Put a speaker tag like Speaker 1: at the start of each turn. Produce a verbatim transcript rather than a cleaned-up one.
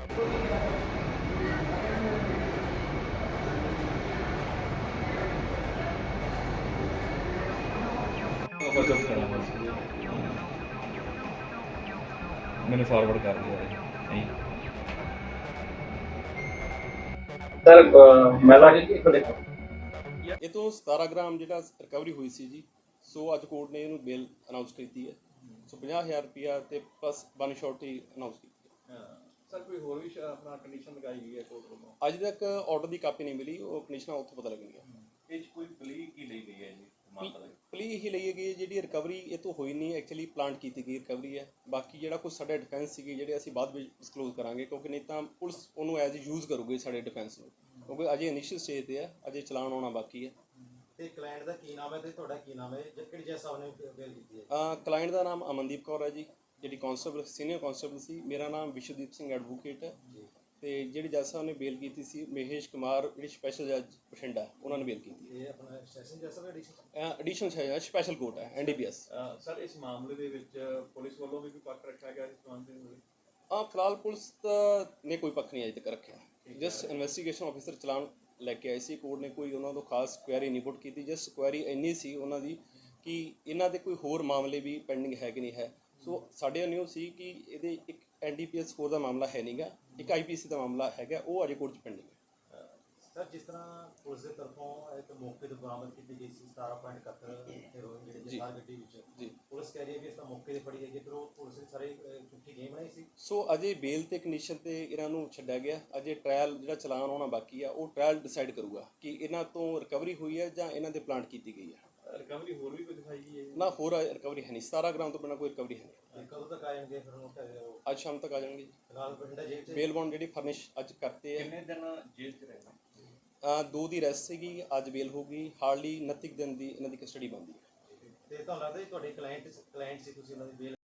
Speaker 1: मैंने फॉरवर्ड कर दिया है नहीं
Speaker 2: सर महिला जी देखो
Speaker 3: ਇਹ ਤੋਂ ਸਤਾਰਾਂ ਗ੍ਰਾਮ ਜਿਹੜਾ ਰਿਕਵਰੀ ਹੋਈ ਸੀ ਜੀ। ਸੋ ਅੱਜ ਕੋਰਟ ਨੇ ਇਹਨੂੰ ਬੇਲ ਅਨਾਉਂਸ ਕੀਤੀ ਹੈ। ਸੋ ਪੰਜਾਹ ਹਜ਼ਾਰ ਰੁਪਇਆ ਤੇ ਪਲੱਸ ਵਨ ਸ਼ੋਰਟੀ ਅਨਾਉਂਸ ਕੀਤੀ ਹੈ।
Speaker 4: ਸਰ ਕੋਈ ਹੋਰ ਵੀ ਆਪਣਾ ਕੰਡੀਸ਼ਨ ਲਗਾਈ ਗਈ ਹੈ ਕੋਰਟ ਵੱਲੋਂ?
Speaker 3: ਅੱਜ ਤੱਕ ਆਰਡਰ ਦੀ ਕਾਪੀ ਨਹੀਂ ਮਿਲੀ, ਉਹ ਕੰਡੀਸ਼ਨਾਂ ਉੱਥੋਂ ਪਤਾ ਲੱਗਣਗੀਆਂ।
Speaker 4: ਇਹ 'ਚ ਕੋਈ ਪਲੀ ਕੀ ਲਈ ਗਈ ਹੈ ਜੀ?
Speaker 3: ਪਲੀ ਇਹੀ ਲਈ ਗਈ ਜਿਹੜੀ ਰਿਕਵਰੀ ਇਹ ਤੋਂ ਹੋਈ ਨਹੀਂ, ਐਕਚੁਅਲੀ ਪਲਾਂਟ ਕੀਤੀ ਗਈ ਰਿਕਵਰੀ ਹੈ। ਬਾਕੀ ਜਿਹੜਾ ਕੁਝ ਸਾਡੇ ਡਿਫੈਂਸ ਸੀਗੇ ਜਿਹੜੇ ਅਸੀਂ ਬਾਅਦ ਵਿੱਚ ਡਿਸਕਲੋਜ਼ ਕਰਾਂਗੇ, ਕਿਉਂਕਿ ਨਹੀਂ ਤਾਂ ਪੁਲਿਸ ਉਹਨੂੰ ਐਜ਼ ਯੂਜ਼ ਕਰੂਗੀ ਸਾਡੇ ਡਿਫੈਂਸ ਨੂੰ, ਕਿਉਂਕਿ ਅਜੇ ਇਨੀਸ਼ੀਅਲ ਸਟੇਜ ਤੇ ਹੈ, ਅਜੇ ਚਲਾਨ ਆਉਣਾ ਬਾਕੀ ਹੈ।
Speaker 5: ਤੇ ਕਲਾਇੰਟ ਦਾ ਕੀ ਨਾਮ ਹੈ ਤੇ ਤੁਹਾਡਾ ਕੀ ਨਾਮ ਹੈ? ਕਿਹੜੀ ਜੱਜ ਸਾਹਿਬ ਨੇ ਬੇਲ ਕੀਤੀ ਹੈ?
Speaker 3: ਕਲਾਇੰਟ ਦਾ ਨਾਮ ਅਮਨਦੀਪ ਕੌਰ ਹੈ ਜੀ, ਜਿਹੜੀ ਕਾਂਸਟੇਬਲ ਸੀਨੀਅਰ ਕਾਂਸਟੇਬਲ ਸੀ। ਮੇਰਾ ਨਾਮ ਵਿਸ਼ਵਦੀਪ ਸਿੰਘ ਐਡਵੋਕੇਟ ਹੈ। ਤੇ ਜਿਹੜੀ ਜੱਜ ਸਾਹਿਬ ਨੇ ਬੇਲ ਕੀਤੀ ਸੀ ਮਹੇਸ਼ ਕੁਮਾਰ, ਜਿਹੜੀ ਸਪੈਸ਼ਲ ਜੱਜ ਬਠਿੰਡਾ, ਉਹਨਾਂ ਨੇ ਬੇਲ ਕੀਤੀ।
Speaker 5: ਇਹ ਆਪਣਾ ਸੈਸ਼ਨ ਜੱਜ ਸਾਹਿਬ ਐਡੀਸ਼ਨ
Speaker 3: ਐਡੀਸ਼ਨਲ ਸਪੈਸ਼ਲ ਕੋਰਟ ਹੈ, N D P S.
Speaker 4: Sir ਇਸ ਮਾਮਲੇ ਦੇ ਵਿੱਚ ਪੁਲਿਸ ਵੱਲੋਂ ਵੀ ਕੋਈ ਪੱਖ ਰੱਖਿਆ ਗਿਆ ਇਸ ਸੰਬੰਧ ਵਿੱਚ?
Speaker 3: ਹਾਂ, ਫਿਲਹਾਲ ਪੁਲਿਸ ਨੇ ਕੋਈ ਪੱਖ ਨਹੀਂ ਅਜੇ ਤੱਕ ਰੱਖਿਆ। ਜਸਟ ਇਨਵੈਸਟੀਗੇਸ਼ਨ ਆਫੀਸਰ ਚਲਾਨ ਲੈ ਕੇ ਆਏ ਸੀ। ਕੋਰਟ ਨੇ ਕੋਈ ਉਹਨਾਂ ਤੋਂ ਖਾਸ ਕੁਐਰੀ ਨਹੀਂ ਪੁੱਟ ਕੀਤੀ। ਜਸਟ ਕੁਐਰੀ ਇੰਨੀ ਸੀ ਉਹਨਾਂ ਦੀ ਕਿ ਇਹਨਾਂ ਦੇ ਕੋਈ ਹੋਰ ਮਾਮਲੇ ਵੀ ਪੈਂਡਿੰਗ ਹੈ ਕਿ ਨਹੀਂ ਹੈ। ਸੋ ਸਾਡੇ ਨਿਊ ਸੀ ਕਿ ਇਹਦੇ ਇੱਕ N D P S score ਦਾ ਮਾਮਲਾ ਹੈ ਨਹੀਂਗਾ, ਇੱਕ ਆਈ ਪੀ ਸੀ ਦਾ ਮਾਮਲਾ ਹੈਗਾ, ਉਹ ਅਜੇ ਕੋਰਟ 'ਚ ਪੈਂਡਿੰਗ ਹੈ।
Speaker 5: ਸਰ ਜਿਸ ਤਰ੍ਹਾਂ ਪੁਲਿਸ ਦੇ ਤਰਫੋਂ ਇੱਕ ਮੌਕੇ ਤੋਂ ਬਰਾਮਦ ਕੀਤੀ ਗਈ ਸੀ ਸਤਾਰਾਂ ਪੁਆਇੰਟ ਇਕਹੱਤਰ ਹੈਰੋਇਨ ਜਿਹੜੇ ਜਥਾਰ ਗੱਡੀ ਵਿੱਚ
Speaker 3: ਜੀ,
Speaker 5: ਪੁਲਿਸ ਕਹਿ ਰਹੀ ਹੈ ਕਿ ਇਸ ਦਾ ਮੌਕੇ 'ਤੇ ਫੜੀ ਹੈਗੀ, ਫਿਰ ਉਹ ਪੁਲਿਸ ਨੇ ਸਾਰੇ ਝੂਠੀ ਗੇਮ ਬਣਾਈ ਸੀ।
Speaker 3: ਸੋ ਅਜੇ ਬੇਲ ਤੇ ਕੰਡੀਸ਼ਨ ਤੇ ਇਹਨਾਂ ਨੂੰ ਛੱਡਿਆ ਗਿਆ। ਅਜੇ ਟ੍ਰਾਇਲ ਜਿਹੜਾ ਚਲਾਨ ਹੋਣਾ ਬਾਕੀ ਆ, ਉਹ ਟ੍ਰਾਇਲ ਡਿਸਾਈਡ ਕਰੂਗਾ ਕਿ ਇਹਨਾਂ ਤੋਂ ਰਿਕਵਰੀ ਹੋਈ ਹੈ ਜਾਂ ਇਹਨਾਂ ਦੇ ਪਲਾਂਟ ਕੀਤੀ ਗਈ ਹੈ।
Speaker 4: ਰਿਕਵਰੀ ਹੋਰ ਵੀ ਕੋਈ ਦਿਖਾਈ ਗਈ ਹੈ?
Speaker 3: ਨਾ, ਹੋਰ ਰਿਕਵਰੀ ਹੈ ਨਹੀਂ। ਸਤਾਰਾਂ ਗ੍ਰਾਮ ਤੋਂ ਬਿਨਾਂ ਕੋਈ ਰਿਕਵਰੀ ਹੈ ਨਹੀਂ।
Speaker 5: ਕਦੋਂ ਤੱਕ ਆ ਜਾਣਗੇ ਫਿਰ ਉਹ?
Speaker 3: ਅੱਜ ਸ਼ਾਮ ਤੱਕ ਆ ਜਾਣਗੇ।
Speaker 5: ਫਿਲਹਾਲ ਬਠਿੰਡਾ ਜੇਲ੍ਹ 'ਚ
Speaker 3: ਬੇਲ ਬੌਂਡ ਜਿਹੜੀ ਫਰਨਿਸ਼ ਅੱਜ ਕਰਤੇ ਹੈ।
Speaker 4: ਕਿੰਨੇ ਦਿਨ ਜੇਲ੍ਹ 'ਚ ਰਹਿਣਾ?
Speaker 3: ਅ, ਦੋ ਦੀ ਰੈਸਟ ਸੀਗੀ, ਅੱਜ ਬੇਲ ਹੋ ਗਈ। ਹਾਰਡਲੀ ਉਨੱਤੀ ਦਿਨ ਦੀ ਇਹਨਾਂ ਦੀ ਕਸਟਡੀ ਬਣਦੀ ਹੈ।
Speaker 5: ਤੇ ਤੁਹਾਨੂੰ ਲੱਗਦਾ ਜੀ ਤੁਹਾਡੇ ਕਲਾਇੰਟ ਕਲਾਇੰਟ ਸੀ, ਤੁਸੀਂ ਉਹਨਾਂ ਦੀ ਬੇਲ